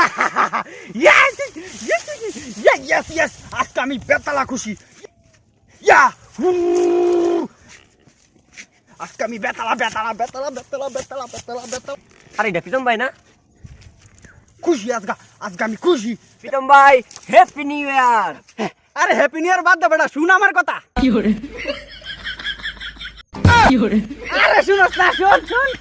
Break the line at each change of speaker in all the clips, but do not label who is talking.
Yes! Yes! Yes! Yes! Yes! আজকে আমি বেতালা খুশি। ইয়া! আজকে আমি বেতালা।
আরে এটা প্রীতম ভাই না?
খুশি আজকে আমি খুশি।
প্রীতম ভাই হ্যাপি নিউ ইয়ার।
আরে হ্যাপি নিউ ইয়ার বাদ দে বেটা, শুন আমার কথা। আরে শুনস না, শোন।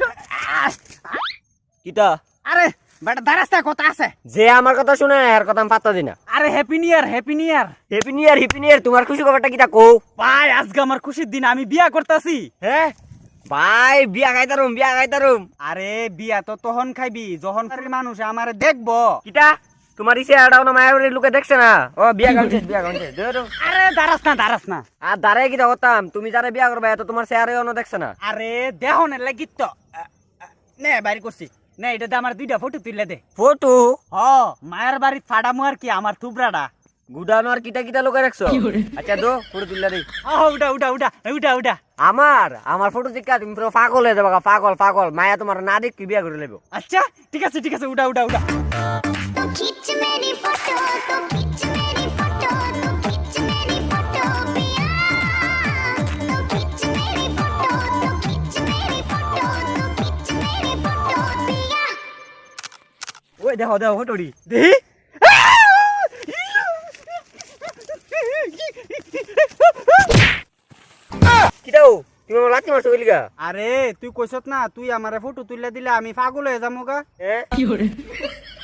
কিটা?
আরে বেটা দাঁড়াস্তা কথা আছে।
যে আমার কথা শুনে না এর কথা আমি পাত্তা দিই না।
আরে happy new year.
Happy new year তোমার খুশি খবরটা কিটা কও?
ভাই আজকে আমার খুশির দিন, আমি বিয়া করতেছি।
হ্যাঁ ভাই বিয়া খাইতারুম।
আরে বিয়া তো তখন খাইবি যখন মানুষ আমারে দেখবো।
কিটা তোমার ইসে আড়াও না মায়ের লোকে দেখছে না? ও বিয়া গাউছে
আরে দাঁড়াস না।
আর দাঁড়ায় কিটা হতাম, তুমি যারা বিয়া করবে এত তোমার চেহারে অন্য দেখছে না।
আরে দেহনের লাগি তো নে বাইরে করছি নে, এটা আমার 2টা ফটো তুলে দে।
ফটো?
হ, মায়ের বাড়ি ফাড়ামু আর কি, আমার থুবরাটা
গুডানো আর কিটা লোকে রাখছো? আচ্ছা দো ফটো তুললা রে।
উঠা।
আমার ফটো দেখা তুমি পুরো পাগল হয়ে যাবে, পাগল মায়া তোমার না দেখ কি বিয়া করে লেবো।
আচ্ছা ঠিক আছে উঠা।
तो खींच मेरी फोटो तो खींच मेरी फोटो तो खींच मेरी फोटो पिया तो खींच मेरी फोटो तो खींच मेरी फोटो तो खींच मेरी फोटो पिया
ওই দেখো ফটোটি
দেহি
কিটাও তুমি আমার লাঠি মারছো বলিগা?
আরে তুই কইছত না তুই আমারে ফটো তুলে দিলে আমি পাগল হয়ে যামু গা।
হ্যাঁ